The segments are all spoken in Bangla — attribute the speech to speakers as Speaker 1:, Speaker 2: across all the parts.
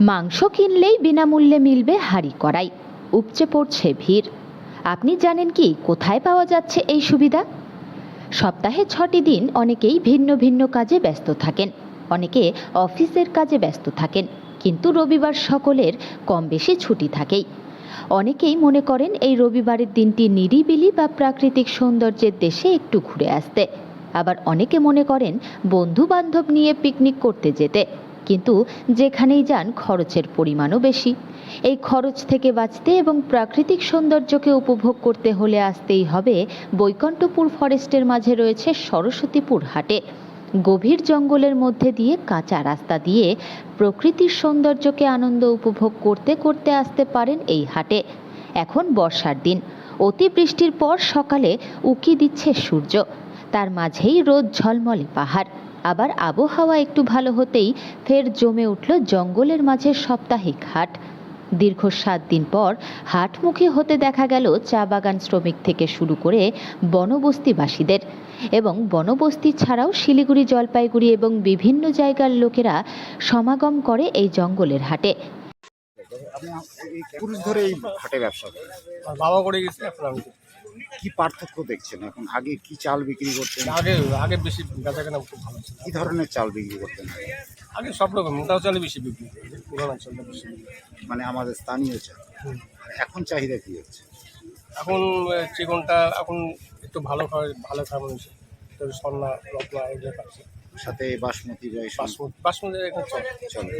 Speaker 1: মাংস কিনলেই বিনামূল্যে মিলবে হাঁড়ি কড়াই, উপচে পড়ছে ভিড়। আপনি জানেন কি কোথায় পাওয়া যাচ্ছে এই সুবিধা? সপ্তাহে 6টি দিন অনেকেই ভিন্ন ভিন্ন কাজে ব্যস্ত থাকেন, অনেকে অফিসের কাজে ব্যস্ত থাকেন, কিন্তু রবিবার সকলের কম বেশি ছুটি থাকেই। অনেকেই মনে করেন এই রবিবারের দিনটি নিরিবিলি বা প্রাকৃতিক সৌন্দর্যের দেশে একটু ঘুরে আসতে। আবার অনেকে মনে করেন বন্ধু বান্ধব নিয়ে পিকনিক করতে যেতে, কিন্তু যেখানেই যান খরচের পরিমাণও বেশি। এই খরচ থেকে বাঁচতে এবং প্রাকৃতিক সৌন্দর্যকে উপভোগ করতে হলে আসতেই হবে বৈকুণ্ঠপুর ফরেস্টের মাঝে রয়েছে সরস্বতীপুর হাটে। গভীর জঙ্গলের মধ্যে দিয়ে কাঁচা রাস্তা দিয়ে প্রকৃতির সৌন্দর্যকে আনন্দ উপভোগ করতে করতে আসতে পারেন এই হাটে। এখন বর্ষার দিন, অতিবৃষ্টির পর সকালে উকি দিচ্ছে সূর্য, তার মাঝেই রোদ ঝলমলে পাহাড়। আবার আবহাওয়া একটু ভালো হতেই ফের জমে উঠল জঙ্গলের মাঝে সাপ্তাহিক হাট। দীর্ঘ 7 দিন পর হাটমুখী হতে দেখা গেল চা বাগান শ্রমিক থেকে শুরু করে বনবস্তিবাসীদের, এবং বনবস্তি ছাড়াও শিলিগুড়ি, জলপাইগুড়ি এবং বিভিন্ন জায়গার লোকেরা সমাগম করে এই জঙ্গলের হাটে।
Speaker 2: আপনি এই পুরুষ ধরে এই হাটে ব্যবসা করেন,
Speaker 3: আর বাবা করে গেছে এখন আমি করি।
Speaker 2: কি পার্থক্য দেখছেন? এখন আগে কি চাল বিক্রি করতেন,
Speaker 3: আগে আগে বেশি বেচা কেনা খুব ভালো ছিল।
Speaker 2: কি ধরনের চাল বিক্রি করতেন?
Speaker 3: আগে সব রকম মোটাও চালে বেশি বিক্রি করি, পুরানো চালটা বেশি বিক্রি করি।
Speaker 2: মানে আমাদের স্থানীয় চাল।
Speaker 3: হুম।
Speaker 2: আর এখন চাহিদা কি হচ্ছে?
Speaker 3: এখন চিকনটা এখন একটু ভালো খায় মানুষ, তো সন্না রত্না এগুলো খাচ্ছে।
Speaker 2: সাথে বাসমতি বা এইসব
Speaker 3: বাসমতি এখন
Speaker 2: চলে।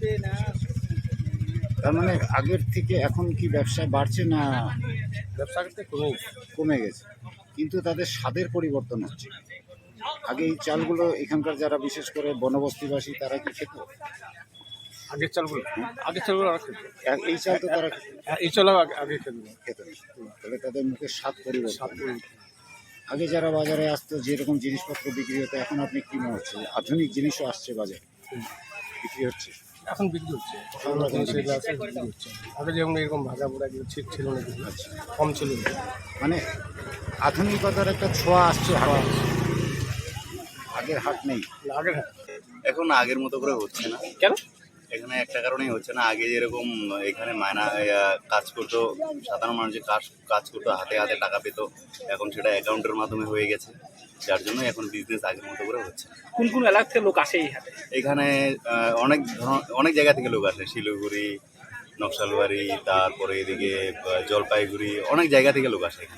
Speaker 2: তার মানে আগের থেকে এখন কি ব্যবসা বাড়ছে না
Speaker 3: ব্যবসা করতে কমে
Speaker 2: কমে গেছে? কিন্তু তাদের স্বাদের পরিবর্তন হচ্ছে। আগে এই চালগুলো এখানকার যারা বিশেষ করে বনবস্তিবাসী তারা কি খেত?
Speaker 3: আগের চালগুলো আর খেতে।
Speaker 2: এই চাল তো তারা
Speaker 3: এই চাল আগে খেতে
Speaker 2: খেত না। তাহলে তাদের মুখের স্বাদ পরিবর্তন। আগে যারা বাজারে আসতো যেরকম জিনিসপত্র বিক্রি হতো, এখন আপনি কি মনে হচ্ছে আধুনিক জিনিসও আসছে বাজারে, বিক্রি হচ্ছে?
Speaker 3: এখন বিক্রি হচ্ছে, সেগুলো আছে বিক্রি হচ্ছে। আগে যেমন এরকম ভাজা পোড়া এগুলো ঠিক ছিল না, কিছু
Speaker 2: আচ্ছা,
Speaker 3: কম ছিল।
Speaker 2: মানে আধুনিকতার একটা ছোঁয়া আসছে হাটে, আগের হাট নেই।
Speaker 3: আগে
Speaker 4: এখন আগের মতো করে হচ্ছে না।
Speaker 3: কেন?
Speaker 4: এখানে একটা কারণেই হচ্ছে না, আগে যেরকম এখানে কাজ করতো, সাধারণ মানুষ যে কাজ করতো, হাতে হাতে টাকা পেতো, এখন সেটা অ্যাকাউন্টের মাধ্যমে হয়ে গেছে, যার জন্য এখন বিজনেস আগের মতো করে হচ্ছে না।
Speaker 3: কোন কোন এলাকা থেকে লোক আসে এই হাটে?
Speaker 4: এখানে অনেক জায়গা থেকে লোক আসে, শিলিগুড়ি, নকশালবাড়ি, তারপরে এদিকে জলপাইগুড়ি, অনেক জায়গা থেকে লোক আসে এখানে।